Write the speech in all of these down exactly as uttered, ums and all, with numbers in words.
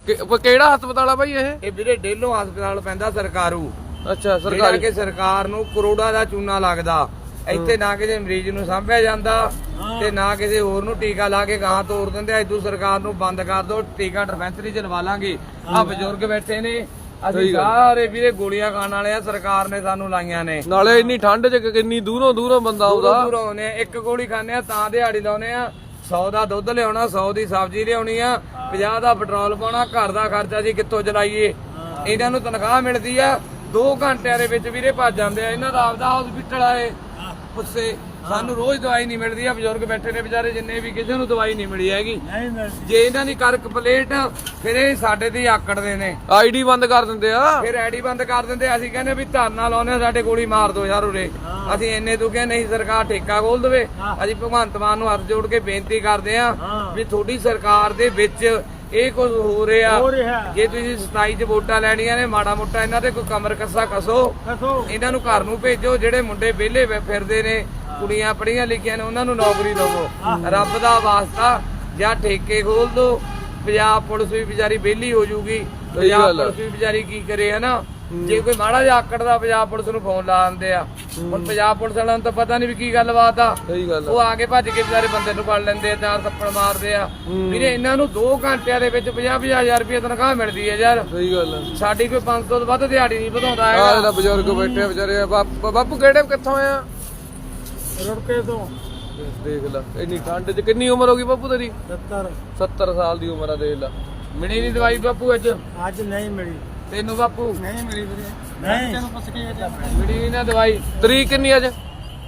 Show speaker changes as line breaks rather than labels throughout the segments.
ਕਿਹੜਾ ਹਸਪਤਾਲ ਆ ਬਾਈ ਇਹ?
ਇਹ ਵੀਰੇ ਡੇਲੋਂ ਹਸਪਤਾਲ ਪੈਂਦਾ ਸਰਕਾਰੂ।
ਅੱਛਾ ਸਰਕਾਰੀ।
ਕਿ ਸਰਕਾਰ ਨੂੰ ਕਰੋੜਾਂ ਦਾ ਚੂਨਾ ਲੱਗਦਾ। ਇੱਥੇ ਨਾ ਕਿਸੇ ਮਰੀਜ਼ ਨੂੰ ਸਾਂਭਿਆ ਜਾਂਦਾ ਤੇ ਨਾ ਕਿਸੇ ਹੋਰ ਨੂੰ ਟੀਕਾ ਲਾ ਕੇ ਗਾਂ ਤੋੜ ਦਿੰਦੇ। ਇਦੋਂ ਸਰਕਾਰ ਨੂੰ ਬੰਦ ਕਰ ਦੋ, ਟੀਕਾ ਡਿਸਪੈਂਸਰੀ ਚ ਲਵਾ ਲਾਂਗੇ। ਆ ਬਜ਼ੁਰਗ ਬੈਠੇ ਨੇ, ਅਸੀਂ ਸਾਰੇ ਵੀਰੇ ਗੋਲੀਆਂ ਖਾਣ ਵਾਲੇ ਆ, ਸਰਕਾਰ ਨੇ ਸਾਨੂੰ ਲਾਈਆਂ ਨੇ।
ਨਾਲੇ ਇੰਨੀ ਠੰਡ ਚ ਕਿੰਨੀ ਦੂਰੋਂ ਦੂਰੋਂ ਬੰਦਾ ਆਉਂਦਾ।
ਦੂਰੋਂ ਆਉਂਦੇ ਆ, ਇੱਕ ਗੋਲੀ ਖਾਂਦੇ ਆ ਤਾਂ ਦਿਹਾੜੀ ਲਾਉਨੇ ਆ। ਸੌ ਦਾ ਦੁੱਧ ਲਿਆਉਣਾ, ਸੌ ਦੀ ਸਬਜ਼ੀ ਲਿਆਉਣੀ ਆ, ਪੰਜਾਹ ਦਾ ਪੈਟਰੋਲ ਪਾਉਣਾ, ਘਰ ਦਾ ਖਰਚਾ ਜੀ ਕਿੱਥੋਂ ਚਲਾਈਏ। ਇਹਨਾਂ ਨੂੰ ਤਨਖਾਹ ਮਿਲਦੀ ਆ, ਦੋ ਘੰਟਿਆਂ ਦੇ ਵਿੱਚ ਵੀਰੇ ਭੱਜ ਜਾਂਦੇ ਆ। ਇਹਨਾਂ ਦਾ ਆਪਦਾ ਹਸਪੀਟਲ ਆਏ ਪੁੱਛੇ, ਸਾਨੂੰ ਰੋਜ਼ ਦਵਾਈ ਨਹੀਂ ਮਿਲਦੀ ਆ। ਬਜ਼ੁਰਗ ਬੈਠੇ ਨੇ ਵਿਚਾਰੇ, ਜਿੰਨੇ ਵੀ, ਕਿਸੇ ਨੂੰ ਦਵਾਈ ਨਹੀਂ ਮਿਲੀ ਹੈਗੀ। ਜੇ ਇਹਨਾਂ ਦੀ ਕਰ ਕੰਪਲੀਟ ਫਿਰ ਇਹ ਸਾਡੇ ਤੇ ਆਕੜਦੇ ਨੇ,
ਆਈਡੀ ਬੰਦ ਕਰ ਦਿੰਦੇ ਆ।
ਫਿਰ ਆਈਡੀ ਬੰਦ ਕਰ ਦਿੰਦੇ। ਅਸੀਂ ਕਹਿੰਦੇ ਵੀ ਧਰਨਾ ਲਾਉਨੇ, ਸਾਡੇ ਗੋਲੀ ਮਾਰ ਦੋ ਯਾਰ ਉਰੇ। ਅਸੀਂ ਇੰਨੇ ਦੁਖੇ ਨਹੀਂ, ਸਰਕਾਰ ਠੇਕਾ ਖੋਲ ਦੇਵੇ। ਅਸੀਂ ਭਗਵੰਤ ਮਾਨ ਨੂੰ ਹੱਥ ਜੋੜ ਕੇ ਬੇਨਤੀ ਕਰਦੇ ਆ ਵੀ ਤੁਹਾਡੀ ਸਰਕਾਰ ਦੇ ਵਿੱਚ ਇਹ ਕੁਝ ਹੋ ਰਿਹਾ। ਜੇ ਤੁਸੀਂ ਸਤਾਈ ਚ ਵੋਟਾਂ ਲੈਣੀਆਂ ਨੇ, ਮਾੜਾ ਮੋਟਾ ਇਹਨਾਂ ਤੇ ਕੋਈ ਕਮਰ ਕੱਸਾ ਕਸੋ, ਇਹਨਾਂ ਨੂੰ ਘਰ ਨੂੰ ਭੇਜੋ। ਜਿਹੜੇ ਮੁੰਡੇ ਵਿਹਲੇ ਫਿਰਦੇ ਨੇ, ਕੁੜੀਆਂ ਪੜ੍ਹੀਆਂ ਲਿਖੀਆਂ ਨੇ, ਉਹਨਾਂ ਨੂੰ ਨੌਕਰੀ ਦਵੋ। ਰੱਬ ਦਾ ਵਾਸਤਾ ਜਾਂ ਠੇਕੇ ਖੋਲ ਦੋ। ਪੰਜਾਬ ਪੁਲਿਸ ਵੀ ਵਿਚਾਰੀ ਵਿਹਲੀ ਹੋ ਜੂਗੀ। ਪੰਜਾਬ ਪੁਲਿਸ ਵੀ ਵਿਚਾਰੀ ਕੀ ਕਰੇ ਹਨਾ। ਜੇ ਕੋਈ ਮਾੜਾ ਜਿਹਾ ਆਕੜਦਾ, ਪੰਜਾਬ ਪੁਲਿਸ ਨੂੰ ਫੋਨ ਲਾ ਦਿੰਦੇ ਆ। ਹੁਣ ਪੰਜਾਬ ਪੁਲਿਸ ਵਾਲਿਆਂ ਨੂੰ ਤਾਂ ਪਤਾ ਨਹੀਂ ਵੀ ਕੀ ਗੱਲਬਾਤ ਆ। ਉਹ ਆ ਕੇ ਭੱਜ ਕੇ ਵਿਚਾਰੇ ਬੰਦੇ ਨੂੰ ਫੜ ਲੈਂਦੇ ਆ, ਚਾਰ ਥੱਪੜ ਮਾਰਦੇ ਆ। ਵੀਰੇ ਇਹਨਾਂ ਨੂੰ ਦੋ ਘੰਟਿਆਂ ਦੇ ਵਿੱਚ ਪੰਜਾਹ ਪੰਜਾਹ ਹਜ਼ਾਰ ਰੁਪਏ ਤਨਖਾਹ ਮਿਲਦੀ ਹੈ ਯਾਰ।
ਸਹੀ ਗੱਲ ਹੈ।
ਸਾਡੀ ਕੋਈ ਪੰਜ ਸੌ ਤੋਂ ਵੱਧ ਦਿਹਾੜੀ ਨਹੀਂ ਵਧਾਉਂਦਾ ਹੈਗਾ।
ਬਜ਼ੁਰਗ ਬੈਠੇ ਵਿਚਾਰੇ। ਬਾਪੂ ਕਿਹੜੇ ਕਿੱਥੋਂ ਆ?
ਰੁੜਕੇ ਤੋਂ।
ਦੇਖ ਲੈ ਇੰਨੀ ਠੰਡ ਚ। ਕਿੰਨੀ ਉਮਰ ਹੋ ਗਈ ਬਾਪੂ ਤੇਰੀ?
ਸੱਤਰ।
ਸੱਤਰ ਸਾਲ ਦੀ ਉਮਰ ਆ, ਦੇਖ ਲੈ।
ਮਿਲੀ ਨਹੀਂ ਦਵਾਈ ਬਾਪੂ ਅੱਜ?
ਅੱਜ ਨਹੀਂ ਮਿਲੀ।
ਤੈਨੂੰ ਬਾਪੂ?
ਨਹੀਂ ਮਿਲੀ ਵੀਰੇ। ਨਹੀਂ ਤੈਨੂੰ ਪੁੱਛ ਕੇ
ਮਿਲੀ ਨਹੀਂ ਨਾ ਦਵਾਈ।
ਤਰੀਕ ਕਿੰਨੀ ਅੱਜ?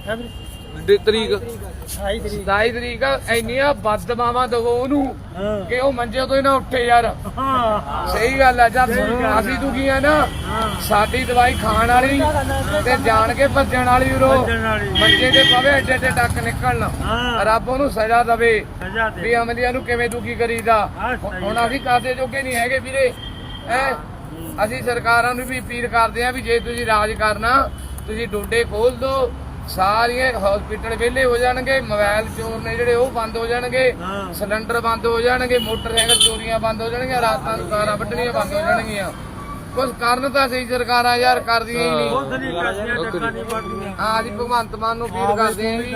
ਤਰੀਕ
ਸਤਾਈ ਤਰੀਕ। ਇੰਨੀਆਂ ਬਦਦੁਆਵਾਂ ਦਵੋ ਉਹਨੂੰ ਕਿ ਉਹ ਮੰਜੇ ਤੋਂ ਹੀ ਨਾ ਉੱਠੇ ਯਾਰ। ਸਹੀ ਗੱਲ ਆ। ਜਦ ਅਸੀਂ ਦੁਖੀ ਆ ਨਾ, ਸਾਡੀ ਦਵਾਈ ਖਾਣ ਵਾਲੀ ਤੇ ਜਾਣ ਕੇ ਭੱਜਣ ਵਾਲੀ ਉਰੋ ਮੰਜੇ ਤੇ ਪਵੇ, ਏਡੇ ਏਡੇ ਟੱਕ ਨਿਕਲਣ। ਰੱਬ ਉਹਨੂੰ ਸਜ਼ਾ ਦਵੇ ਵੀ ਅਮਲੀਆਂ ਨੂੰ ਕਿਵੇਂ ਦੁਖੀ ਕਰੀਦਾ। ਹੁਣ ਅਸੀਂ ਕਾਸੇ ਜੋਗੇ ਨਹੀਂ ਹੈਗੇ ਵੀਰੇ। ਹੈ ਅਸੀਂ ਸਰਕਾਰਾਂ ਨੂੰ ਵੀ ਅਪੀਲ ਕਰਦੇ ਆ ਵੀ ਜੇ ਤੁਸੀਂ ਰਾਜ ਕਰਨਾ, ਤੁਸੀਂ ਡੋਡੇ ਖੋਲ ਦੋ। ਸਾਰੀਆਂ ਹਸਪੀਟਲ ਵਿਹਲੇ ਹੋ ਜਾਣਗੇ, ਮੋਬਾਈਲ ਚੋਰ ਨੇ ਜਿਹੜੇ ਉਹ ਬੰਦ ਹੋ ਜਾਣਗੇ, ਸਿਲੰਡਰ ਬੰਦ ਹੋ ਜਾਣਗੇ, ਮੋਟਰਸਾਈਕਲ ਚੋਰੀਆਂ ਬੰਦ ਹੋ ਜਾਣਗੀਆਂ, ਰਾਤਾਂ ਨੂੰ ਕਾਰਾਂ ਵੱਢਣੀਆਂ ਬੰਦ ਹੋ ਜਾਣਗੀਆਂ। ਕੁਝ ਕਰਨ ਤਾਂ ਸਹੀ ਸਰਕਾਰਾਂ ਯਾਰ ਕਰਦੀਆਂ ਹੀ ਨਹੀਂ। ਹਾਂ ਅਸੀਂ ਭਗਵੰਤ ਮਾਨ ਨੂੰ ਅਪੀਲ ਕਰਦੇ ਆ ਵੀ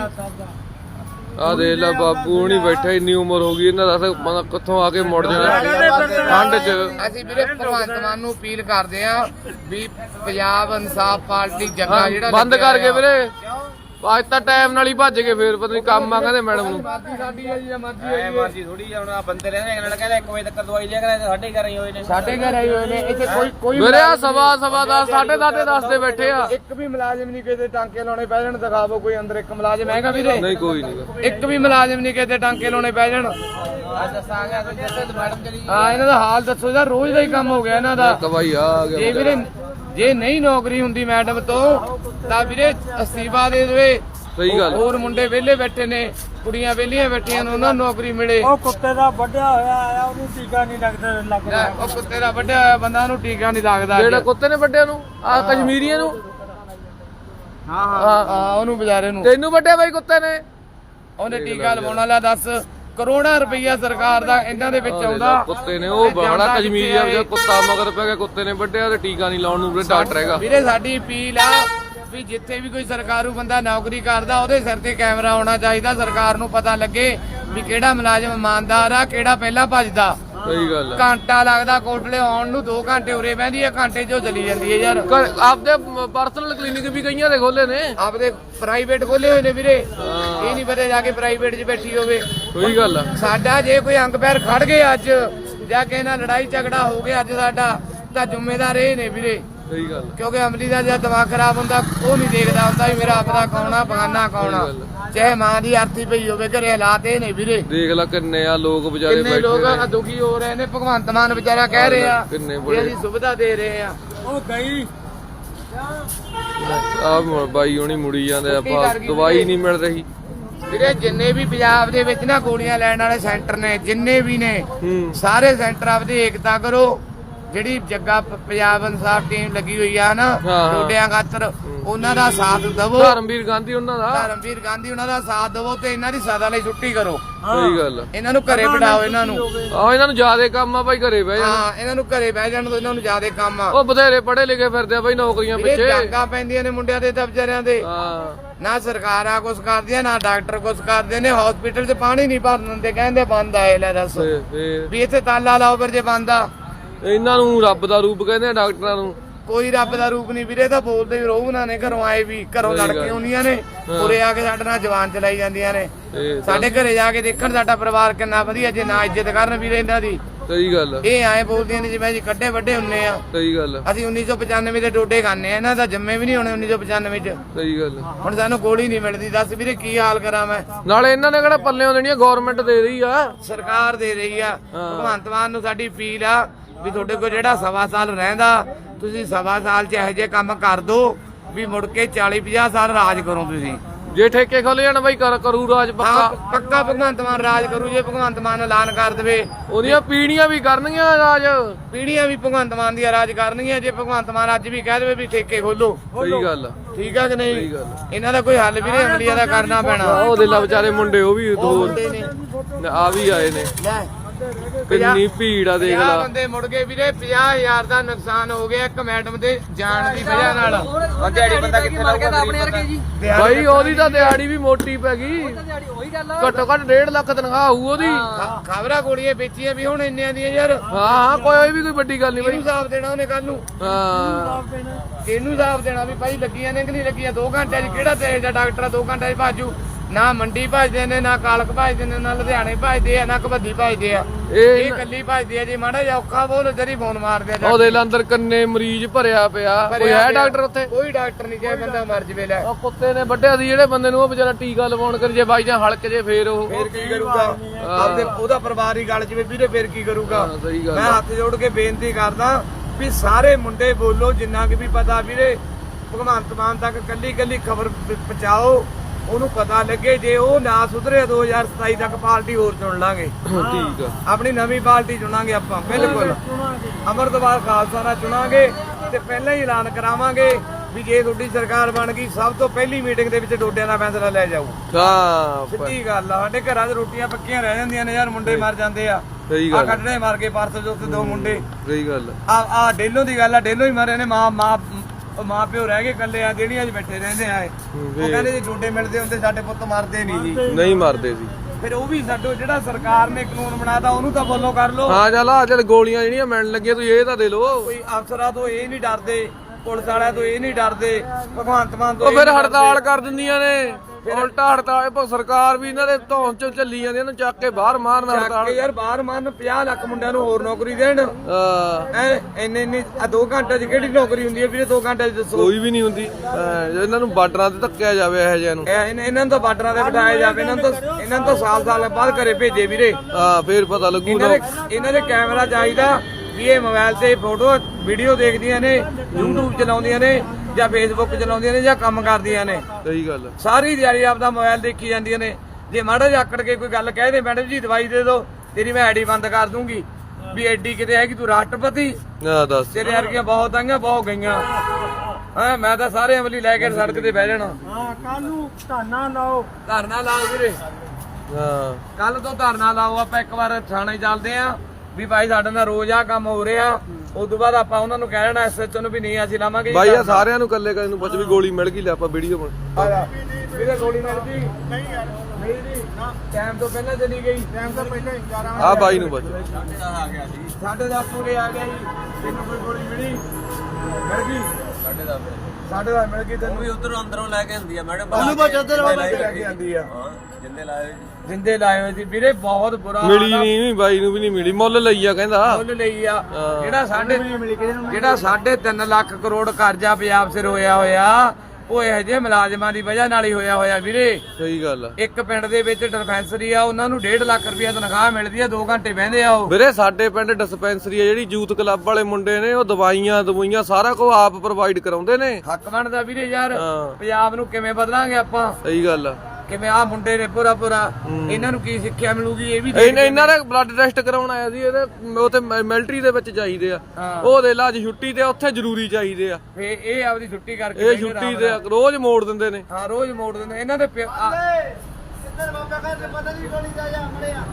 ਆ ਦੇਖ ਲੈ ਬਾਪੂ ਹੁਣੀ ਬੈਠੇ, ਇੰਨੀ ਉਮਰ ਹੋ ਗਈ ਇਹਨਾਂ ਦਾ, ਕਿੱਥੋਂ ਆ ਕੇ ਮੁੜ ਜਾਣਾ ਠੰਡ ਚ।
ਅਸੀਂ ਵੀਰੇ ਭਗਵੰਤ ਮਾਨ ਨੂੰ ਅਪੀਲ ਕਰਦੇ ਆ ਵੀ ਪੰਜਾਬ ਇਨਸਾਫ ਪਾਰਟੀ ਜੱਗਾ ਜਿਹੜਾ
ਬੰਦ ਕਰਕੇ ਵੀਰੇ। ਅੱਜ ਤਾਂ ਟਾਈਮ ਨਾਲ ਹੀ ਭੱਜ ਗਏ, ਫੇਰ ਪਤਾ ਨਹੀਂ ਕੰਮ ਆ ਕਹਿੰਦੇ ਮੈਡਮ ਨੂੰ।
ਸਾਡੀ ਹੈ ਜੀ, ਮਰਜ਼ੀ
ਮਰਜ਼ੀ ਥੋੜੀ ਆ। ਹੁਣ ਆ ਬੰਦੇ ਰਹਿੰਦੇ ਨਾਲ ਕਹਿੰਦਾ ਇੱਕ ਵਜੇ ਤੱਕ ਦਵਾਈ ਲਿਆ ਕਰਾਂ, ਸਾਡੇ ਘਰ ਹੀ ਹੋਏ ਨੇ।
ਸਾਡੇ ਘਰ ਆਏ ਹੋਏ ਨੇ ਇੱਥੇ। ਕੋਈ ਕੋਈ
ਵੀਰੇ ਆ ਸਵਾ ਸਵਾ ਦਸ, ਸਾਢੇ ਦਸ ਦਸ ਦੇ ਬੈਠੇ ਆ।
ਇੱਕ ਵੀ ਮੁਲਾਜ਼ਮ ਨਹੀਂ ਕਿਤੇ ਟਾਂਕੇ ਲਾਉਣੇ ਪੈ ਜਾਣ। ਦਿਖਾਵੋ ਕੋਈ ਅੰਦਰ ਇੱਕ ਮੁਲਾਜ਼ਮ ਹੈਗਾ ਵੀਰੇ?
ਨਹੀਂ ਕੋਈ ਨਹੀਂ।
ਇੱਕ ਵੀ ਮੁਲਾਜ਼ਮ ਨਹੀਂ ਕਿਤੇ ਟਾਂਕੇ ਲਾਉਣੇ ਪੈ ਜਾਣ। ਹਾਂ ਇਹਨਾਂ ਦਾ ਹਾਲ ਦੱਸੋ ਯਾਰ, ਰੋਜ਼ ਦਾ ਹੀ ਕੰਮ ਹੋ ਗਿਆ ਇਹਨਾਂ ਦਾ।
ਭਾਈ ਆ ਗਿਆ
ਜੇ ਵੀਰੇ ਜੇ ਨਹੀਂ ਨੌਕਰੀ ਹੁੰਦੀ ਮੈਡਮ ਤੋਂ ਤਾਂ ਵੀਰੇ ਅਸਤੀਫਾ ਦੇ ਦੇਵੇ।
ਸਹੀ ਗੱਲ।
ਹੋਰ ਮੁੰਡੇ ਵਿਹਲੇ ਬੈਠੇ ਨੇ, ਕੁੜੀਆਂ ਵਿਹਲੀਆਂ ਬੈਠੀਆਂ ਨੇ, ਉਹਨਾਂ ਨੂੰ ਨੌਕਰੀ ਮਿਲੇ।
ਉਹ ਕੁੱਤੇ ਦਾ ਵੱਢਿਆ ਹੋਇਆ ਆਇਆ, ਉਹਨੂੰ ਟੀਕਾ ਨਹੀਂ ਲੱਗਦਾ ਲੱਗਦਾ।
ਉਹ ਕੁੱਤੇ ਦਾ ਵੱਢਿਆ ਹੋਇਆ ਬੰਦਾ ਨੂੰ ਟੀਕਾ ਨਹੀਂ ਲੱਗਦਾ।
ਜਿਹੜਾ ਕੁੱਤੇ ਨੇ ਵੱਢਿਆ ਨੂੰ? ਆ ਕਸ਼ਮੀਰੀਆਂ ਨੂੰ?
ਹਾਂ ਹਾਂ ਹਾਂ ਉਹਨੂੰ ਵਿਚਾਰੇ ਨੂੰ।
ਤੈਨੂੰ ਵੱਢਿਆ ਬਾਈ ਕੁੱਤੇ ਨੇ?
ਉਹਨੇ ਟੀਕਾ ਲਵਾਉਣ ਵਾਲਾ ਦੱਸ। ਕਰੋੜਾਂ ਰੁਪਈਆ ਸਰਕਾਰ ਦਾ ਇਹਨਾਂ ਦੇ ਵਿੱਚ ਆਉਂਦਾ।
ਕੁੱਤੇ ਨੇ ਉਹ ਬੜਾ ਕਸ਼ਮੀਰੀਆ ਜਿਹੜਾ ਕੁੱਤਾ ਮਗਰ ਪੈ ਗਿਆ, ਕੁੱਤੇ ਨੇ ਵੱਢਿਆ ਤੇ ਟੀਕਾ ਨਹੀਂ ਲਾਉਣ ਨੂੰ ਡਾਕਟਰ ਹੈਗਾ।
ਵੀਰੇ ਸਾਡੀ ਅਪੀਲ ਆ ਵੀ ਜਿੱਥੇ ਵੀ ਕੋਈ ਸਰਕਾਰੂ ਬੰਦਾ ਨੌਕਰੀ ਕਰਦਾ, ਉਹਦੇ ਸਿਰ ਤੇ ਕੈਮਰਾ ਹੋਣਾ ਚਾਹੀਦਾ। ਸਰਕਾਰ ਨੂੰ ਪਤਾ ਲੱਗੇ ਵੀ ਕਿਹੜਾ ਮੁਲਾਜ਼ਮ ਇਮਾਨਦਾਰ ਆ, ਕਿਹੜਾ ਪਹਿਲਾਂ ਭੱਜਦਾ।
ਸਹੀ ਗੱਲ।
ਘੰਟਾ ਲੱਗਦਾ ਕੋਟਲੇ ਆਉਣ ਨੂੰ, ਦੋ ਘੰਟੇ ਉਰੇ ਬਹਿੰਦੀ ਆ, ਘੰਟੇ ਚੋਂ ਚਲੀ ਜਾਂਦੀ ਹੈ ਯਾਰ।
ਆਪਦੇ ਪਰਸਨਲ ਕਲੀਨਿਕ ਵੀ ਕਈਆਂ ਦੇ ਖੋਲੇ ਨੇ,
ਆਪਦੇ ਪ੍ਰਾਈਵੇਟ ਖੋਲੇ ਹੋਏ ਨੇ ਵੀਰੇ। ਇਹ ਨਹੀਂ ਪਤਾ ਜਾ ਕੇ ਪ੍ਰਾਈਵੇਟ 'ਚ ਬੈਠੀ ਹੋਵੇ।
ਸਹੀ ਗੱਲ ਆ।
ਸਾਡਾ ਜੇ ਕੋਈ ਅੰਗ ਪੈਰ ਖੜ ਗਏ ਅੱਜ, ਜਾਂ ਕਿਸੇ ਨਾਲ ਲੜਾਈ ਝਗੜਾ ਹੋ ਗਿਆ ਅੱਜ ਸਾਡਾ, ਤਾਂ ਜ਼ਿੰਮੇਦਾਰ ਇਹ ਨੇ ਵੀਰੇ।
ਸਹੀ ਗੱਲ।
ਕਿਉਂਕਿ ਅਮਲੀ ਦਾ ਜਦ ਦਿਮਾਗ ਖਰਾਬ ਹੁੰਦਾ, ਉਹ ਨਹੀਂ ਦੇਖਦਾ ਹੁੰਦਾ ਵੀ ਮੇਰਾ ਆਪਦਾ ਕੌਣ ਆ, ਬਗਾਨਾ ਕੌਣ ਆ। ਚਾਹੇ ਮਾਂ ਦੀ ਆਰਤੀ ਪਈ ਹੋਵੇ, ਘਰੇ ਹਾਲਾਤ ਇਹ ਨੇ ਵੀਰੇ।
ਦੇਖ ਲੈ ਕਿੰਨੇ ਆ ਲੋਕ ਵਿਚਾਰੇ
ਕਿੰਨੇ ਲੋਕ ਆ ਦੁਖੀ ਹੋ ਰਹੇ ਨੇ। ਭਗਵੰਤ ਮਾਨ ਵਿਚਾਰਾ ਕਹਿ ਰਹੇ ਆ
ਕਿੰਨੇ
ਵੀ ਅਸੀਂ ਸੁਵਿਧਾ ਦੇ ਰਹੇ ਆ।
ਉਹ ਗਈ
ਆ ਬਾਈ ਹੁਣੀ ਮੁੜੀ ਜਾਂਦੇ ਆ, ਦਵਾਈ ਨਹੀਂ ਮਿਲ ਰਹੀ
ਵੀਰੇ। ਜਿੰਨੇ ਵੀ ਪੰਜਾਬ ਦੇ ਵਿੱਚ ਨਾ ਗੋਲੀਆਂ ਲੈਣ ਵਾਲੇ ਸੈਂਟਰ ਨੇ, ਜਿੰਨੇ ਵੀ ਨੇ, ਸਾਰੇ ਸੈਂਟਰ ਆਪਦੀ ਏਕਤਾ ਕਰੋ। ਜਿਹੜੀ ਜੱਗਾ ਪ- ਪੰਜਾਬ ਇਨਸਾਫ ਟੀਮ ਲੱਗੀ ਹੋਈ ਆ ਨਾ
ਹਾਂ।
ਡੋਡਿਆਂ ਖਾਤਰ ਉਹਨਾਂ ਦਾ ਸਾਥ ਦਵੋ।
ਧਰਮਵੀਰ ਗਾਂਧੀ ਉਹਨਾਂ ਦਾ
ਧਰਮਵੀਰ ਗਾਂਧੀ ਉਹਨਾਂ ਦਾ ਸਾਥ ਦਵੋ ਤੇ ਇਹਨਾਂ ਦੀ ਸਜ਼ਾ ਲਈ ਛੁੱਟੀ ਕਰੋ।
ਸਹੀ ਗੱਲ ਆ।
ਇਹਨਾਂ ਨੂੰ ਘਰੇ ਬਿਠਾਓ। ਇਹਨਾਂ ਨੂੰ
ਆਹ ਇਹਨਾਂ ਨੂੰ ਜ਼ਿਆਦੇ ਕੰਮ ਆ ਭਾਈ, ਘਰੇ ਬਹਿ ਜਾਣ।
ਹਾਂ ਇਹਨਾਂ ਨੂੰ ਘਰੇ ਬਹਿ ਜਾਣ ਤੋਂ ਇਹਨਾਂ ਨੂੰ ਜ਼ਿਆਦਾ ਕੰਮ ਆ।
ਉਹ ਬਥੇਰੇ ਪੜ੍ਹੇ ਲਿਖੇ ਫਿਰਦੇ ਆ ਭਾਈ ਨੌਕਰੀਆਂ
ਵੀਰੇ
ਪਿੱਛੇ।
ਡਾਂਗਾ ਪੈਂਦੀਆਂ ਨੇ ਮੁੰਡਿਆਂ ਦੇ ਤਾਂ ਵਿਚਾਰਿਆਂ ਦੇ।
ਹਾਂ
ਨਾ ਸਰਕਾਰਾਂ ਕੁਛ ਕਰਦੀਆਂ ਨਾ ਡਾਕਟਰ ਕੁਛ ਕਰਦੇ ਨੇ। ਹਸਪੀਟਲ 'ਚ ਪਾਣੀ ਨਹੀਂ ਭਰਨ ਦਿੰਦੇ, ਕਹਿੰਦੇ ਬੰਦ ਆਏ। ਲੈ ਦੱਸ
ਤੇ ਫੇਰ
ਵੀ ਇੱਥੇ ਤਾਲਾ ਲਾਓ ਫਿਰ ਜੇ ਬੰਦ ਆ।
ਇਹਨਾਂ ਨੂੰ ਰੱਬ ਦਾ ਰੂਪ ਕਹਿੰਦੇ ਆ ਡਾਕਟਰਾਂ ਨੂੰ।
ਕੋਈ ਰੱਬ ਦਾ ਰੂਪ ਨਹੀਂ ਵੀਰੇ, ਤਾਂ ਬੋਲਦੇ ਵੀ ਰਹੂ ਨਾ ਨੇ। ਘਰੋਂ ਆਏ ਵੀ ਘਰੋਂ ਲੜ ਕੇ ਆਉਂਦੀਆਂ ਨੇ, ਉਰੇ ਆ ਕੇ ਸਾਡੇ ਨਾਲ ਜਵਾਨ ਚਲਾਈ ਜਾਂਦੀਆਂ ਨੇ।
ਇਹ
ਸਾਡੇ ਘਰੇ ਜਾ ਕੇ ਦੇਖਣ ਸਾਡਾ ਪਰਿਵਾਰ ਕਿੰਨਾ ਵਧੀਆ, ਜੇ ਨਾ ਇੱਜ਼ਤ ਕਰਨ ਵੀਰੇ ਇਹਨਾਂ ਦੀ।
ਸਹੀ ਗੱਲ ਆ।
ਇਹ ਐਂ ਬੋਲਦੀਆਂ ਨੇ ਜਿਵੇਂ ਅਸੀਂ ਕੱਢੇ ਵੱਡੇ ਹੁੰਨੇ ਆ।
ਸਹੀ ਗੱਲ ਆ।
ਅਸੀਂ ਉੱਨੀ ਸੌ ਪਚਾਨਵੇਂ ਦੇ ਡੋਡੇ ਖਾਂਦੇ ਆ, ਇਹਨਾਂ ਦਾ ਜੰਮੇ ਵੀ ਨਹੀਂ ਹੋਣੇ ਉੱਨੀ ਸੌ ਪਚਾਨਵੇਂ 'ਚ।
ਸਹੀ ਗੱਲ ਆ।
ਹੁਣ ਸਾਨੂੰ ਗੋਲੀ ਨਹੀਂ ਮਿਲਦੀ। ਦੱਸ ਵੀਰੇ ਕੀ ਹਾਲ ਕਰਾਂ ਮੈਂ।
ਨਾਲੇ ਇਹਨਾਂ ਨੇ ਕਿਹੜਾ ਪੱਲਿਓਂ ਦੇਣੀਆਂ, ਗਵਰਨਮੈਂਟ ਦੇ ਰਹੀ ਆ।
ਸਰਕਾਰ ਦੇ ਰਹੀ ਆ। ਭਗਵੰਤ ਮਾਨ ਨੂੰ ਸਾਡੀ ਅਪੀਲ ਆ ਵੀ ਤੁਹਾਡੇ ਕੋਲ ਜਿਹੜਾ ਸਵਾ ਸਾਲ ਰਹਿੰਦਾ, ਤੁਸੀਂ ਸਵਾ ਸਾਲ 'ਚ ਇਹੋ ਜਿਹੇ ਕੰਮ ਕਰ ਦੋ ਵੀ ਮੁੜ ਕੇ ਚਾਲੀ ਪੰਜਾਹ ਸਾਲ ਰਾਜ ਕਰੋ ਤੁਸੀਂ।
ਜੇ ਠੇਕੇ ਖੁੱਲ ਜਾਣ ਬਾਈ ਕਰ ਕਰੂ ਰਾਜ
ਹਾਂ
ਪੱਕਾ।
ਪੱਕਾ ਭਗਵੰਤ ਮਾਨ ਰਾਜ ਕਰੂ। ਜੇ ਭਗਵੰਤ ਮਾਨ ਐਲਾਨ ਕਰ ਦੇਵੇ,
ਉਹਦੀਆਂ ਪੀੜੀਆਂ ਵੀ ਕਰਨਗੀਆਂ ਰਾਜ।
ਪੀੜੀਆਂ ਵੀ ਭਗਵੰਤ ਮਾਨ ਦੀਆਂ ਰਾਜ ਕਰਨਗੀਆਂ। ਜੇ ਭਗਵੰਤ ਮਾਨ ਅੱਜ ਵੀ ਕਹਿ ਦੇਵੇ ਵੀ ਠੇਕੇ ਖੋਲੋ,
ਸਹੀ ਗੱਲ ਆ।
ਠੀਕ ਆ ਕਿ ਨਹੀਂ?
ਸਹੀ ਗੱਲ।
ਇਹਨਾਂ ਦਾ ਕੋਈ ਹੱਲ ਵੀਰੇ ਅਮਲੀਆ ਦਾ ਕਰਨਾ ਪੈਣਾ।
ਉਹ ਦੇ ਲਾ ਵਿਚਾਰੇ ਮੁੰਡੇ ਉਹ ਵੀ
ਉਹ
ਦੋ
ਮੁੰਡੇ ਨੇ
ਆ ਵੀ ਆਏ ਨੇ।
ਲੈ
ਕਿੰਨੀ ਭੀੜ ਆ ਦੇਖ
ਪੰਜਾਹ
ਲਾ।
ਬੰਦੇ ਮੁੜ ਗਏ ਵੀਰੇ। ਪੰਜਾਹ ਹਜ਼ਾਰ ਦਾ ਨੁਕਸਾਨ ਹੋ ਗਿਆ ਇੱਕ ਮੈਡਮ ਦੇ ਜਾਣ ਦੀ ਵਜ੍ਹਾ ਨਾਲ।
ਉਹ ਦਿਹਾੜੀ ਬੰਦਾ ਕਿੱਥੇ ਲਾਊਗਾ ਆਪਣੇ ਵਰਗੇ ਜੀ।
ਬਾਈ ਉਹਦੀ ਤਾਂ ਦਿਹਾੜੀ ਵੀ ਮੋਟੀ ਪੈ ਗਈ। ਘੱਟੋ ਘੱਟ ਡੇਢ ਲੱਖ ਤਨਖਾਹ ਹੋਊ ਉਹਦੀ।
ਖਬਰਾਂ ਗੋਲੀਆਂ ਵੇਚੀਆਂ ਵੀ ਹੁਣ ਇੰਨਿਆਂ ਦੀਆਂ ਯਾਰ।
ਹਾਂ ਹਾਂ ਕੋਈ ਵੀ ਕੋਈ ਵੱਡੀ ਗੱਲ ਨਹੀਂ ਬਾਈ।
ਕਿਹਨੂੰ ਹਿਸਾਬ ਦੇਣਾ ਉਹਨੇ ਕੱਲ ਨੂੰ?
ਹਾਂ
ਕਿਹਨੂੰ ਹਿਸਾਬ ਦੇਣਾ ਵੀ ਭਾਈ ਲੱਗੀਆਂ ਨੇ ਕਿ ਨਹੀਂ ਲੱਗੀਆਂ? ਦੋ ਘੰਟੇ 'ਚ ਕਿਹੜਾ ਤੇਜ ਦਾ ਡਾਕਟਰ ਆ ਦੋ ਘੰਟੇ 'ਚ ਭਾਜੂ? ਨਾ ਮੰਡੀ ਭਜਦੇ ਨੇ, ਨਾ ਕਾਲਕ ਭਜਦੇ ਨੇ, ਨਾ ਲੁਧਿਆਣੇ ਭਜਦੇ ਆ, ਨਾ ਕਬੱਦੀ ਭਜਦੇ ਆ।
ਇਹ
ਇਹ ਕੱਲੀ ਭਜਦੀ ਆ। ਜੇ ਮਾੜਾ ਜਿਹਾ ਔਖਾ ਬੋਲ ਜਰੀ ਫੋਨ ਮਾਰਦੇ ਆ।
ਉਹਦੇ ਅੰਦਰ ਕੰਨੇ ਮਰੀਜ਼ ਭਰਿਆ ਪਿਆ। ਕੋਈ ਹੈ ਡਾਕਟਰ ਉੱਥੇ?
ਕੋਈ ਡਾਕਟਰ ਨਹੀਂ, ਜੇ ਬੰਦਾ ਮਰ ਜਵੇ। ਲੈ
ਉਹ ਕੁੱਤੇ ਨੇ ਵੱਢਿਆ ਸੀ ਜਿਹੜੇ ਬੰਦੇ ਨੂੰ, ਉਹ ਵਿਚਾਰਾ ਟੀਕਾ ਲਵਾਉਣ ਕਰ ਜੇ ਬਾਈ ਜਾਂ ਹਲਕ ਜੇ ਫੇਰ ਉਹ
ਫੇਰ ਕੀ ਕਰੂਗਾ? ਆਪਦੇ ਉਹਦਾ ਪਰਿਵਾਰ ਹੀ ਗੱਲ ਜਵੇ ਵੀਰੇ, ਫੇਰ ਕੀ ਕਰੂਗਾ?
ਹਾਂ, ਸਹੀ ਗੱਲ
ਮੈਂ
ਆ।
ਹੱਥ ਜੋੜ ਕੇ ਬੇਨਤੀ ਕਰਦਾ ਵੀ ਸਾਰੇ ਮੁੰਡੇ ਬੋਲੋ, ਜਿੰਨਾ ਕਿ ਵੀ ਪਤਾ ਵੀਰੇ। ਭਗਵੰਤ ਮਾਨ ਤੱਕ ਕੱਲੀ ਕੱਲੀ ਖਬਰ ਪਹੁੰਚਾਓ, ਉਹਨੂੰ ਪਤਾ ਲੱਗੇ। ਜੇ ਉਹ ਨਾ ਸੁਧਰੇ ਦੋ ਹਜ਼ਾਰ ਸਤਾਈ ਤੱਕ ਪਾਰਟੀ ਹੋਰ ਚੁਣ ਲਾਂਗੇ।
ਠੀਕ ਆ।
ਆਪਣੀ ਨਵੀਂ ਪਾਰਟੀ ਚੁਣਾਂਗੇ ਆਪਾਂ, ਬਿਲਕੁਲ ਅੰਮ੍ਰਿਤਪਾਲ ਖਾਲਸਾ ਨਾਲ ਚੁਣਾਂਗੇ। ਤੇ ਪਹਿਲਾਂ ਹੀ ਐਲਾਨ ਕਰਾਵਾਂਗੇ ਵੀ ਜੇ ਤੁਹਾਡੀ ਸਰਕਾਰ ਬਣ ਗਈ, ਸਭ ਤੋਂ ਪਹਿਲੀ ਮੀਟਿੰਗ ਦੇ ਵਿੱਚ ਡੋਡਿਆਂ ਦਾ ਫੈਸਲਾ ਲੈ ਜਾਊ।
ਹਾਂ
ਸਿੱਧੀ ਗੱਲ ਆ। ਸਾਡੇ ਘਰਾਂ 'ਚ ਰੋਟੀਆਂ ਪੱਕੀਆਂ ਰਹਿ ਜਾਂਦੀਆਂ ਨੇ ਯਾਰ, ਮੁੰਡੇ ਮਰ ਜਾਂਦੇ ਆ।
ਸਹੀ
ਆ
ਗੱਲ ਆ।
ਕੱਢਣੇ ਮਾਰ ਕੇ ਪਰਸੋਂ ਜੋ ਉੱਥੇ ਦੋ ਮੁੰਡੇ।
ਸਹੀ ਗੱਲ ਆ।
ਆ ਆ ਡੇਲੋਂ ਦੀ ਗੱਲ ਆ, ਡੇਲੋਂ ਹੀ ਮਰੇ ਨੇ। ਮਾਂ ਮਾਂ ਮਾਂ ਪਿਓ ਰਹਿ ਗਏ ਇਕੱਲੇ ਆ, ਜਿਹੜੀਆਂ 'ਚ ਬੈਠੇ ਰਹਿੰਦੇ ਆ। ਉਹ ਕਹਿੰਦੇ ਜੇ ਡੋਡੇ ਮਿਲਦੇ ਹੁੰਦੇ ਸਾਡੇ ਪੁੱਤ ਮਰਦੇ ਨਹੀਂ ਜੀ।
ਨਹੀਂ ਮਰਦੇ ਸੀ।
ਫਿਰ ਉਹ ਵੀ ਸਾਡੋ ਜਿਹੜਾ ਸਰਕਾਰ ਨੇ ਕਾਨੂੰਨ ਬਣਾਤਾ ਉਹਨੂੰ ਤਾਂ ਫੋਲੋ ਕਰ ਲਓ।
ਹਾਂ ਚੱਲ ਆ ਚੱਲ ਗੋਲੀਆਂ ਜਿਹੜੀਆਂ ਮਿਲਣ ਲੱਗੀਆਂ ਤੁਸੀਂ ਇਹ ਤਾਂ ਦੇ ਲਓ।
ਕੋਈ ਅਫਸਰਾਂ ਤੋਂ ਇਹ ਨਹੀਂ ਡਰਦੇ, ਪੁਲਿਸ ਵਾਲਿਆਂ ਤੋਂ ਇਹ ਨਹੀਂ ਡਰਦੇ, ਭਗਵੰਤ ਮਾਨ ਤੋਂ
ਉਹ
ਇਹ
ਫਿਰ
ਨਹੀਂ
ਹੜਤਾਲ ਕਰ ਦਿੰਦੀਆਂ ਨੇ। ਉਲਟਾ ਹੜਤਾਲ ਪਰ ਸਰਕਾਰ ਵੀ ਇਹਨਾਂ ਦੇ ਧੌਣ ਚੋਂ ਚੱਲੀ ਜਾਂਦੀ, ਇਹਨੂੰ ਚੱਕ ਕੇ ਬਾਹਰ ਮਾਰਨ
ਚੱਕ
ਹੜਤਾਲ।
ਕੇ ਯਾਰ ਬਾਹਰ ਮੰਨ ਪੰਜਾਹ ਲੱਖ ਮੁੰਡਿਆਂ ਨੂੰ ਹੋਰ ਨੌਕਰੀ ਦੇਣ।
ਹਾਂ
ਐ ਇੰਨੇ ਇੰਨੇ ਆ ਦੋ ਘੰਟੇ 'ਚ ਕਿਹੜੀ ਨੌਕਰੀ ਹੁੰਦੀ ਹੈ ਵੀਰੇ? ਦੋ ਘੰਟੇ 'ਚ ਦੱਸੋ।
ਕੋਈ ਵੀ ਨਹੀਂ ਹੁੰਦੀ। ਹਾਂ, ਜੇ ਇਹਨਾਂ ਨੂੰ ਬਾਰਡਰਾਂ ਤੇ ਧੱਕਿਆ ਜਾਵੇ ਇਹੋ ਜਿਹਿਆਂ ਨੂੰ।
ਇਹ ਇਹਨਾਂ ਇਹਨਾਂ ਨੂੰ ਤਾਂ ਬਾਰਡਰਾਂ ਤੇ ਬਿਠਾਇਆ ਜਾਵੇ। ਇਹਨਾਂ ਨੂੰ ਤਾਂ ਇਹਨਾਂ ਨੂੰ ਤਾਂ ਸਾਲ ਸਾਲ ਬਾਅਦ ਘਰੇ ਭੇਜੇ ਵੀਰੇ।
ਹਾਂ ਫੇਰ ਪਤਾ ਲੱਗੂ
ਇਹਨਾਂ
ਨਾ।
ਦੇ ਇਹਨਾਂ ਦੇ ਕੈਮਰਾ ਚਾਹੀਦਾ ਵੀ ਇਹ ਮੋਬਾਈਲ ਤੇ ਫੋਟੋ ਵੀਡੀਓ ਦੇਖਦੀਆਂ ਨੇ, YouTube ਚਲਾਉਂਦੀਆਂ ਨੇ ਜਾਂ Facebook ਚਲਾਉਂਦੀਆਂ ਨੇ ਜਾਂ ਕੰਮ ਕਰਦੀਆਂ ਨੇ।
ਸਹੀ ਗੱਲ।
ਸਾਰੀ ਦਿਹਾੜੀ ਆਪਦਾ ਮੋਬਾਈਲ ਦੇਖੀ ਜਾਂਦੀਆਂ ਨੇ। ਜੇ ਮਾੜਾ ਜਿਹਾ ਆਕੜ ਕੇ ਕੋਈ ਗੱਲ ਕਹਿ ਦੇ, ਮੈਡਮ ਜੀ ਦਵਾਈ ਦੇ ਦਿਓ, ਤੇਰੀ ਮੈਂ ਆਈਡੀ ਬੰਦ ਕਰ ਦੂੰਗੀ। ਵੀ ਐਡੀ ਕਿਤੇ ਹੈ ਕਿ ਤੂੰ ਰਾਸ਼ਟਰਪਤੀ?
ਨਾ ਦੱਸ।
ਤੇਰੇ ਵਰਗੀਆਂ ਬਹੁਤ ਆਈਆਂ, ਬਹੁਤ ਗਈਆਂ। ਹਾਂ ਮੈਂ ਤਾਂ ਸਾਰੇ ਅਮਲੀ ਲੈ ਕੇ ਸੜਕ ਤੇ ਬਹਿ ਜਾਣਾ।
ਹਾਂ ਕੱਲ ਨੂੰ ਧਾਨਾ ਲਾਓ।
ਧਰਨਾ ਲਾਓ ਵੀਰੇ,
ਹਾਂ
ਕੱਲ ਤੋਂ ਧਰਨਾ ਲਾਓ। ਆਪਾਂ ਇੱਕ ਵਾਰ ਥਾਣੇ ਚੱਲਦੇ ਆਂ ਵੀ ਭਾਈ ਸਾਡੇ ਨਾਲ ਰੋਜ਼ ਆ ਕੰਮ ਹੋ ਰਿਹਾ। ਉਸ ਤੋਂ ਬਾਅਦ ਆਪਾਂ ਉਹਨਾਂ ਨੂੰ ਕਹਿ ਦੇਣਾ ਐਸਐਚਓ ਨੂੰ ਵੀ ਨਹੀਂ ਅਸੀਂ ਲਾਵਾਂਗੇ।
ਬਾਈ ਆ ਸਾਰਿਆਂ ਨੂੰ ਕੱਲੇ ਕੱਲੇ ਨੂੰ ਪੁੱਛ ਵੀ ਗੋਲੀ ਮਿਲ ਗਈ, ਲੈ ਆਪਾਂ ਵੀਡੀਓ ਬਣ।
ਵੀਰੇ ਗੋਲੀ ਮਿਲ ਗਈ? ਨਹੀਂ ਯਾਰ ਨਹੀਂ ਜੀ, ਟਾਈਮ ਤੋਂ ਪਹਿਲਾਂ ਚਲੀ ਗਈ। ਟਾਈਮ ਤੋਂ ਪਹਿਲਾਂ ਗਿਆਰਾਂ
ਆ ਬਾਈ ਨੂੰ ਪੁੱਛ।
ਆ ਗਿਆ ਸੀ ਸਾਢੇ ਦਸ ਪੂਰੇ ਆ ਗਿਆ ਜੀ। ਤੈਨੂੰ ਕੋਈ ਗੋਲੀ ਮਿਲੀ? ਮਿਲ ਗਈ ਸਾਢੇ ਦਸ ਸਾਢੇ ਦਸ ਮਿਲ ਗਈ ਤੈਨੂੰ?
ਵੀ ਉਧਰੋਂ ਅੰਦਰੋਂ ਲੈ ਕੇ ਆਉਂਦੀ ਆ ਮੈਡਮ।
ਉਹਨੂੰ ਬਸ ਉੱਧਰ ਲੈ ਕੇ ਆਂਦੀ ਆ।
ਹਾਂ ਜਿੰਦੇ ਲਾਏ
ਜਿੰਦੇ ਲਾਏ ਹੋਏ ਸੀ ਵੀਰੇ, ਬਹੁਤ ਬੁਰਾ ਹਾਲ
ਮਿਲੀ
ਆ।
ਨਹੀਂ, ਬਾਈ ਨੂੰ ਵੀ ਨਹੀਂ ਮਿਲੀ, ਮੁੱਲ ਲਈ ਆ ਕਹਿੰਦਾ।
ਮੁੱਲ ਲਈ ਆ। ਜਿਹੜਾ ਸਾਡੇ ਜਿਹੜਾ ਸਾਢੇ ਤਿੰਨ ਲੱਖ ਕਰੋੜ ਕਰਜ਼ਾ ਪੰਜਾਬ ਸਿਰ ਹੋਇਆ ਹੋਇਆ, ਉਹ ਇਹੋ ਜਿਹੇ ਮੁਲਾਜ਼ਮਾਂ ਦੀ ਵਜ੍ਹਾ ਨਾਲ ਹੀ ਹੋਇਆ ਹੋਇਆ ਵੀਰੇ।
ਸਹੀ ਗੱਲ ਆ।
ਇੱਕ ਪਿੰਡ ਦੇ ਵਿੱਚ ਡਿਸਪੈਂਸਰੀ ਆ, ਉਹਨਾਂ ਨੂੰ ਡੇਢ ਲੱਖ ਰੁਪਇਆ ਤਨਖਾਹ ਮਿਲਦੀ ਆ, ਦੋ ਘੰਟੇ ਬਹਿੰਦੇ ਆ ਉਹ।
ਵੀਰੇ ਸਾਡੇ ਪਿੰਡ ਡਿਸਪੈਂਸਰੀ ਆ ਜਿਹੜੀ ਯੂਥ ਕਲੱਬ ਵਾਲੇ ਮੁੰਡੇ ਨੇ, ਉਹ ਦਵਾਈਆਂ ਦਵਾਈਆਂ ਸਾਰਾ ਕੁਝ ਆਪ ਪ੍ਰੋਵਾਈਡ ਕਰਾਉਂਦੇ ਨੇ।
ਹੱਕ ਬਣਦਾ ਵੀਰੇ ਯਾਰ।
ਹਾਂ
ਪੰਜਾਬ ਨੂੰ ਕਿਵੇਂ ਬਦਲਾਂਗੇ ਆਪਾਂ?
ਸਹੀ ਗੱਲ ਆ।
ਕਿਵੇਂ ਆ ਮੁੰਡੇ ਨੇ ਪੂਰਾ ਪੂਰਾ ਇਹਨਾਂ ਨੂੰ ਕੀ ਸਿੱਖਿਆ ਮਿਲੂਗੀ ਇਹ ਵੀ
ਇਹਨਾਂ ਇਹਨਾਂ ਦਾ ਬਲੱਡ ਟੈਸਟ ਕਰਾਉਣ ਆਇਆ ਸੀ ਇਹਦੇ ਉਹ ਤੇ ਮਿਲਟਰੀ ਦੇ ਵਿੱਚ ਚਾਹੀਦੇ ਆ ਉਹ ਦੇ ਲਾ ਅੱਜ ਛੁੱਟੀ ਤੇ ਉੱਥੇ ਜ਼ਰੂਰੀ ਚਾਹੀਦੇ ਆ
ਫੇ ਇਹ ਆਪਦੀ ਛੁੱਟੀ ਕਰਕੇ
ਇਹ ਛੁੱਟੀ ਤੇ ਰੋਜ਼ ਮੋੜ ਦਿੰਦੇ ਨੇ
ਹਾਂ ਰੋਜ਼ ਮੋੜ ਦਿੰਦੇ ਇਹਨਾਂ ਦੇ ਪਿਓ- ਆ-
ਇੱਧਰ ਬਾਬਾ ਕਹਿੰਦੇ ਪਤਾ ਨਹੀਂ ਗੋਲੀ ਦਾ ਜਾ ਮੜਿਆ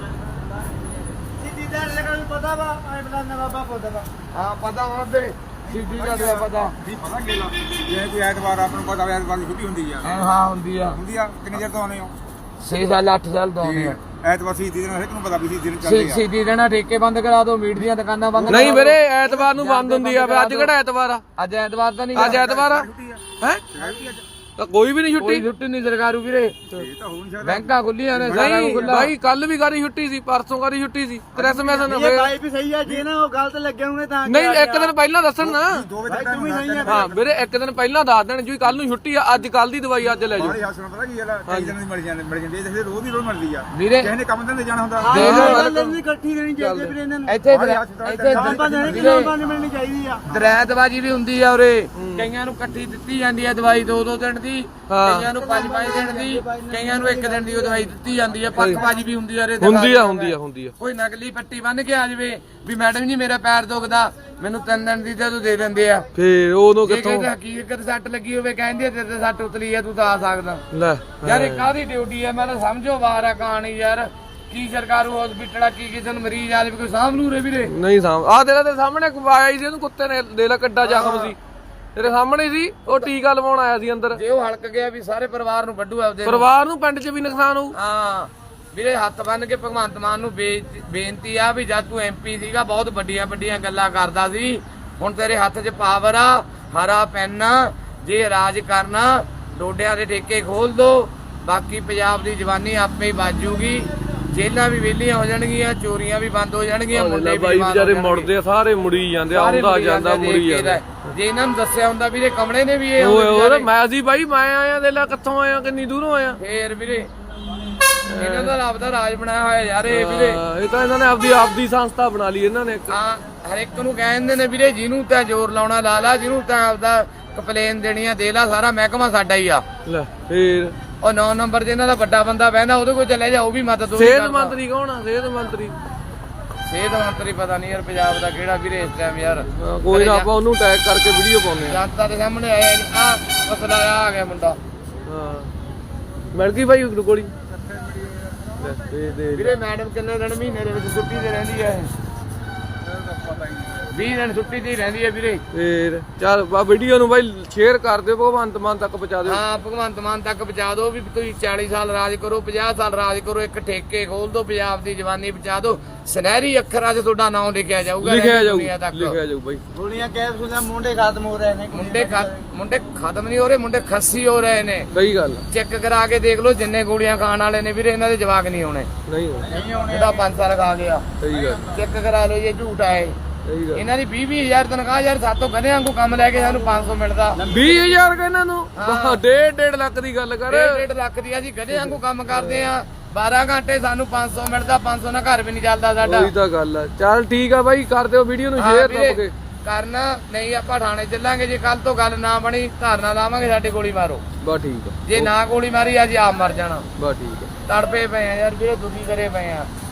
ਸਿੱਧੀ ਦਰ ਲਗਾ ਨੂੰ ਪਤਾ ਵਾ ਐ ਬਲਾ ਨਾ ਬਾਬਾ ਪਤਾ ਵਾ
ਹਾਂ ਪਤਾ ਹੁੰਦੇ ਸਿੱਧੀ ਦਾ ਤਾਂ ਪਤਾ
ਵੀ ਪਤਾ ਗੇਲਾ ਜੇ ਕੋਈ ਐਤਵਾਰ ਆਪਾਂ ਨੂੰ ਪਤਾ ਐਤਵਾਰ ਦੀ ਛੁੱਟੀ ਹੁੰਦੀ ਆ
ਹਾਂ ਹਾਂ ਹੁੰਦੀ ਆ
ਹੁੰਦੀ ਆ ਕਿੰਨੇ ਚਿਰ ਤੋਂ ਆਉਣੇ ਹੋ
ਛੇ ਸਾਲ ਅੱਠ ਸਾਲ ਤੋਂ ਆਉਂਦੇ ਆ
ਐਤਵਾਰ ਸੀ ਦਿਨ ਹਰੇਕ ਨੂੰ ਪਤਾ ਵੀ ਸੀ ਦਿਨ ਚੱਲਦੇ ਆ
ਸਿੱਧੀ ਦੇਣਾ ਠੇਕੇ ਬੰਦ ਕਰਾ ਦਿਓ ਮੀਟ ਦੀਆਂ ਦੁਕਾਨਾਂ ਬੰਦ
ਨਹੀਂ ਵੀਰੇ ਐਤਵਾਰ ਨੂੰ ਬੰਦ ਹੁੰਦੀ ਆ ਅੱਜ ਕਿਹੜਾ ਐਤਵਾਰ ਆ
ਅੱਜ ਐਤਵਾਰ ਤਾਂ ਨਹੀਂ
ਅੱਜ ਐਤਵਾਰ ਆ ਹੈ ਤਾਂ ਕੋਈ ਵੀ ਨਹੀਂ
ਕੋਈ
ਛੁੱਟੀ
ਛੁੱਟੀ ਨਹੀਂ ਸਰਕਾਰੂ ਵੀਰੇ
ਇਹ ਤਾਂ ਹੋ ਨਹੀਂ ਸਕਦਾ
ਬੈਂਕਾਂ ਖੁੱਲੀਆਂ ਨੇ ਸਾਰਾ
ਨਹੀਂ
ਖੁੱਲਾ
ਭਾਈ ਕੱਲ ਵੀ ਗਾਰੀ ਛੁੱਟੀ ਸੀ ਪਰਸੋਂ ਗਾਰੀ ਛੁੱਟੀ ਸੀ ਕ੍ਰਿਸਮਸ ਨੂੰ
ਇਹ ਬਾਈ ਵੀ ਸਹੀ ਆ ਜੇ ਨਾ ਉਹ ਗਲਤ ਲੱਗੇ ਹੋਣੇ ਤਾਂ
ਨਹੀਂ ਇੱਕ ਦਿਨ ਪਹਿਲਾਂ ਦੱਸਣ ਨਾ
ਦੋ ਵਜੇ
ਭਾਈ
ਤੱਕ
ਤੂੰ ਵੀ ਸਹੀ ਆ
ਹਾਂ ਵੀਰੇ ਇੱਕ ਦਿਨ ਪਹਿਲਾਂ ਦੱਸ ਦੇਣ ਜੀ ਕੱਲ ਨੂੰ ਛੁੱਟੀ ਆ ਅੱਜ ਕੱਲ ਦੀ ਦਵਾਈ ਅੱਜ ਲੈ ਜਾਓ
ਬਾਹਰੀ ਹਸਪਤਾਲ ਪਤਾ ਕੀ ਗੱਲ ਆ ਕਈ ਦਿਨਾਂ ਦੀ ਮਿਲ ਜਾਂਦੇ ਮਿਲ ਜਾਂਦੇ ਇਹ ਰੋਜ਼ ਦੀ ਰੋਜ਼ ਮਿਲਦੀ ਆ
ਵੀਰੇ
ਕਿਸੇ ਨੇ ਕੰਮ ਤੇ ਜਾਣਾ ਹੁੰਦਾ
ਗੱਲ ਨਹੀਂ ਇਕੱਠੀ ਦੇਣੀ ਚਾਹੀਦੀ ਵੀਰੇ ਇਹਨਾਂ ਨੂੰ
ਇੱਥੇ
ਬਾਹਰੀ ਹਸਪਤਾਲ
ਇੱਥੇ
ਆਪਾਂ ਦੇਣੀ ਕਿ ਆਪਾਂ ਨਹੀਂ ਮਿਲਣੀ ਚਾਹੀਦੀ ਆ
ਦਰੈਤਬਾਜੀ ਵੀ ਹੁੰਦੀ ਆ ਉਰੇ ਕਈਆਂ ਨੂੰ ਇਕੱਠੀ ਦਿੱਤੀ ਜਾਂਦੀ ਆ ਦਵਾਈ ਦੋ ਦੋ ਦਿਨ ਦੀ
ਹਾਂ।
ਕਈਆਂ ਨੂੰ ਪੰਜ ਪੰਜ ਦਿਨ ਦੀ ਕਈਆਂ ਨੂੰ ਇੱਕ ਦਿਨ ਦੀ ਉਹ ਦਵਾਈ ਦਿੱਤੀ ਜਾਂਦੀ ਆ ਪੱਕਬਾਜੀ ਵੀ ਹੁੰਦੀ ਆ ਉਰੇ
ਹੁੰਦੀ ਆ ਹੁੰਦੀ ਆ ਹੁੰਦੀ ਆ
ਕੋਈ ਨਕਲੀ ਪੱਟੀ ਬੰਨ ਕੇ ਆ ਜਾਵੇ ਵੀ ਮੈਡਮ ਜੀ ਮੇਰਾ ਪੈਰ ਦੁਖਦਾ ਮੈਨੂੰ ਤਿੰਨ ਦਿਨ ਦੀ ਤੇ ਤੂੰ ਦੇ ਦਿੰਦੇ ਆ
ਫੇਰ ਉਦੋਂ
ਜੇ
ਕਿੱਥੋਂ
ਕਹਿੰਦੇ ਹਕੀਕਤ ਸੱਟ ਲੱਗੀ ਹੋਵੇ ਕਹਿੰਦੇ ਆ, ਤੇਰੇ ਤੇ ਸੱਟ ਉਤਲੀ ਆ ਤੂੰ ਤਾਂ ਆ ਸਕਦਾ
ਲੈ
ਯਾਰ ਇਹ ਕਾਹਦੀ ਡਿਊਟੀ ਆ ਮੈਂ ਤਾਂ ਸਮਝੋ ਬਾਹਰ ਆ ਕਹਾਣੀ ਯਾਰ ਕੀ ਸਰਕਾਰੂ ਹਸਪੀਟਲ ਆ ਕੀ ਕਿਸੇ ਨੂੰ ਮਰੀਜ਼ ਆ ਜਾਵੇ ਕੋਈ ਸਾਂਭ ਲੂ ਰੇ ਵੀਰੇ
ਨਹੀਂ ਸਾਮ ਆ ਤੇਰਾ ਤੇ ਸਾਹਮਣੇ ਆਇਆ ਸੀ ਉਹਨੂੰ ਕੁੱਤੇ ਨੇ ਦੇ ਲਾ ਕੱਡਾ ਜ਼ਖਮ ਸੀ ਤੇਰੇ ਸਾਹਮਣੇ ਸੀ ਉਹ ਟੀਕਾ ਲਵਾਉਣ ਆਇਆ ਸੀ ਅੰਦਰ
ਜੇ ਉਹ ਹਲਕ ਗਿਆ ਵੀ ਸਾਰੇ ਪਰਿਵਾਰ ਨੂੰ ਵੱਢੂ ਆਪਦੇ ਨੂੰ।
ਪਰਿਵਾਰ ਨੂੰ ਪਿੰਡ 'ਚ ਵੀ ਨੁਕਸਾਨ ਹੋਊ
ਹਾਂ ਵੀਰੇ ਹੱਥ ਬੰਨ ਕੇ ਭਗਵੰਤ ਮਾਨ ਨੂੰ ਬੇ- ਬੇਨਤੀ ਆ ਵੀ ਜਦ ਤੂੰ ਐਮਪੀ ਸੀਗਾ ਬਹੁਤ ਵੱਡੀਆਂ ਵੱਡੀਆਂ ਗੱਲਾਂ ਕਰਦਾ ਸੀ ਹੁਣ ਤੇਰੇ ਹੱਥ 'ਚ ਪਾਵਰ ਆ ਹਰਾ ਪੈਨ ਆ ਜੇ ਰਾਜ ਕਰਨਾ ਡੋਡਿਆਂ ਦੇ ਠੇਕੇ ਖੋਲ ਦੋ ਬਾਕੀ ਪੰਜਾਬ ਦੀ ਜਵਾਨੀ ਆਪੇ ਹੀ ਬਾਜੂਗੀ ਜੇਲਾਂ ਵੀ ਵਿਹਲੀਆਂ ਹੋ ਜਾਣਗੀਆਂ ਚੋਰੀਆਂ ਵੀ ਬੰਦ ਹੋ ਜਾਣਗੀਆਂ ਮੁੰਡੇ ਵੀ
ਬਾਈ
ਬੰਦ ਹੋ
ਵਿਚਾਰੇ
ਜਾਣਗੇ।
ਮੁੜਦੇ ਆ ਸਾਰੇ ਮੁੜੀ ਜਾਂਦੇ ਆ,
ਸਾਰੇ
ਆਉਂਦਾ
ਮੁੜੀ
ਜਾਂਦਾ
ਜਾਂਦੇ,
ਮੁੜੀ
ਦੇਖ
ਜਾਂਦਾ
ਕੇ ਜੇ ਇਹਨਾਂ ਨੂੰ ਦੱਸਿਆ ਹੁੰਦਾ ਵੀਰੇ ਕਮਲੇ ਨੇ ਵੀ ਇਹ
ਓਏ
ਆਉਂਦੇ
ਓਏ
ਵਿਚਾਰੇ।
ਮੈਂ ਸੀ ਬਾਈ ਮੈਂ ਆਇਆ ਦੇ ਲਾ ਕਿੱਥੋਂ ਆਇਆ ਕਿੰਨੀ ਦੂਰੋਂ ਆਇਆ
ਫੇਰ ਵੀਰੇ ਇਹਨਾਂ ਦਾ ਰੱਬ ਦਾ ਰਾਜ ਬਣਾਇਆ ਹੋਇਆ ਯਾਰ ਇਹ ਵੀਰੇ
ਹਾਂ, ਇਹ ਤਾਂ ਇਹਨਾਂ ਨੇ ਆਪਦੀ ਆਪਦੀ ਸੰਸਥਾ ਬਣਾ ਲਈ ਇਹਨਾਂ ਨੇ ਇੱਕ।
ਹਾਂ ਹਰ ਇੱਕ ਨੂੰ ਕਹਿੰਦੇ ਨੇ ਵੀਰੇ ਜਿਹਨੂੰ ਤਾਂ ਜ਼ੋਰ ਲਾਉਣਾ ਲਾ ਲਾ ਜਿਹਨੂੰ ਤਾਂ ਆਪਦਾ ਕੰਪਲੇਨ ਦੇਣੀ ਆ ਦੇ ਲਾ ਸਾਰਾ ਮਹਿਕਮਾ ਸਾਡਾ ਹੀ ਆ
ਲੈ ਫੇਰ
ਉਹ ਨੌ ਨੰਬਰ ਜਿਹਨਾਂ ਦਾ ਵੱਡਾ ਬੰਦਾ ਬਹਿੰਦਾ ਉਹਦੇ ਕੋਲ ਚਲੇ ਜਾ ਉਹ ਵੀ ਮਦਦ ਉਹਦੀ
ਸਿਹਤ
ਕਰਦਾ।
ਮੰਤਰੀ ਕੌਣ ਆ ਸਿਹਤ ਮੰਤਰੀ
ਸਿਹਤ ਮੰਤਰੀ ਪਤਾ ਨਹੀਂ ਯਾਰ ਪੰਜਾਬ ਦਾ ਕਿਹੜਾ ਵੀਰੇ ਇਸ ਟਾਈਮ ਯਾਰ
ਹਾਂ, ਕੋਈ ਨਾ ਆਪਾਂ ਉਹਨੂੰ ਟੈਗ ਕਰਕੇ ਵੀਡੀਓ ਪਾਉਂਦੇ ਆ
ਜਨਤਾ ਦੇ ਸਾਹਮਣੇ ਆਇਆ ਆ ਮਸਲਾ ਆ ਗਿਆ ਮੁੰਡਾ
ਹਾਂ ਮਿਲ ਗਈ ਬਾਈ ਗੋਲੀ ਲੈ, ਦੇ ਦੇ
ਵੀਰੇ ਮੈਡਮ ਕਿੰਨੇ ਦਿਨ ਮਹੀਨੇ ਦੇ ਵਿੱਚ ਛੁੱਟੀ ਤੇ ਰਹਿੰਦੀ ਹੈ ਵੀਹ ਦਿਨ ਛੁੱਟੀ ਤੇ ਹੀ ਰਹਿੰਦੀ ਹੈ ਵੀਰੇ
ਫੇਰ ਚੱਲ ਬਾ ਵੀਡੀਓ ਨੂੰ ਬਾਈ ਸ਼ੇਅਰ ਕਰ ਦਿਓ ਭਗਵੰਤ ਮਾਨ ਤੱਕ ਪਹੁੰਚਾ ਦਿਓ
ਹਾਂ ਭਗਵੰਤ ਮਾਨ ਤੱਕ ਪਹੁੰਚਾ ਦਿਓ ਵੀ ਤੁਸੀਂ ਚਾਲੀ ਸਾਲ ਰਾਜ ਕਰੋ ਪੰਜਾਹ ਸਾਲ ਰਾਜ ਕਰੋ ਇੱਕ ਠੇਕੇ ਖੋਲ ਦਿਓ ਪੰਜਾਬ ਦੀ ਜਵਾਨੀ ਬਚਾ ਦਿਓ ਸੁਨਹਿਰੀ ਅੱਖਰਾਂ 'ਚ ਤੁਹਾਡਾ ਨਾਮ ਲਿਖਿਆ ਜਾਊਗਾ
ਲਿਖਿਆ ਜਾਊ
ਦੁਨੀਆ ਤੱਕ।
ਲਿਖਿਆ ਜਾਊ ਬਾਈ
ਗੋਲੀਆਂ ਕੈਪਸੂਲਾਂ ਮੁੰਡੇ ਖਤਮ ਹੋ ਰਹੇ ਨੇ
ਮੁੰਡੇ ਖਤ- ਮੁੰਡੇ ਖਤਮ ਨਹੀਂ ਹੋ ਰਹੇ ਮੁੰਡੇ ਖੱਸੀ ਹੋ ਰਹੇ ਨੇ
ਸਹੀ ਗੱਲ ਆ।
ਚੈੱਕ ਕਰਾ ਕੇ ਦੇਖ ਲਓ ਜਿੰਨੇ ਗੋਲੀਆਂ ਖਾਣ ਵਾਲੇ ਨੇ ਵੀਰੇ ਇਹਨਾਂ ਦੇ ਜਵਾਕ ਨਹੀਂ ਹੋਣੇ
ਨਹੀਂ ਹੋਣਾ।
ਜਿਹੜਾ ਪੰਜ ਸਾਲ ਖਾ ਗਿਆ
ਸਹੀ ਗੱਲ
ਚੈੱਕ ਕਰਾ ਲਓ ਇਹ ਝੂਠ ਆ ਇਹ
ਸਹੀ ਗੱਲ
ਇਹਨਾਂ ਦੀ ਵੀਹ ਵੀਹ ਹਜ਼ਾਰ ਤਨਖਾਹ ਯਾਰ ਸਾਤੋਂ ਗਧਿਆਂ ਵਾਂਗੂ ਕੰਮ ਲੈ ਕੇ ਸਾਨੂੰ ਪੰਜ ਸੌ ਮਿਲਦਾ
ਵੀਹ ਹਜ਼ਾਰ ਕਿ ਇਹਨਾਂ ਨੂੰ ਡੇਢ ਡੇਢ ਲੱਖ ਦੀ ਗੱਲ ਕਰ
ਡੇਢ ਡੇਢ ਲੱਖ ਦੀ ਅਸੀਂ ਗਧਿਆਂ ਵਾਂਗੂ ਕੰਮ ਕਰਦੇ ਆ ਬਾਰਾਂ ਘੰਟੇ ਸਾਨੂੰ ਪੰਜ ਸੌ ਮਿਲਦਾ ਪੰਜ ਸੌ ਨਾਲ ਘਰ ਵੀ ਨਹੀਂ ਚੱਲਦਾ ਸਾਡਾ
ਉਹੀ ਤਾਂ ਗੱਲ ਆ ਚੱਲ ਠੀਕ ਆ ਬਾਈ ਕਰ ਦਿਓ ਵੀਡੀਓ ਨੂੰ
ਹਾਂ
ਸ਼ੇਅਰ
ਵੀਰੇ,
ਦੱਬ ਕੇ
ਕਰਨਾ ਨਹੀਂ ਆਪਾਂ ਥਾਣੇ ਚੱਲਾਂਗੇ ਜੇ ਕੱਲ ਤੋਂ ਗੱਲ ਨਾ ਬਣੀ ਧਰਨਾ ਲਾਵਾਂਗੇ ਸਾਡੇ ਗੋਲੀ ਮਾਰੋ
ਬਸ ਠੀਕ ਆ
ਜੇ ਨਾ ਗੋਲੀ ਮਾਰੀ ਅੱਜ ਆਪ ਮਰ ਜਾਣਾ
ਬਸ ਠੀਕ ਆ
ਤੜਪੇ ਪਏ ਆ ਯਾਰ ਵੀਰੇ ਦੁਖੀ ਕਰੇ ਪਏ ਆ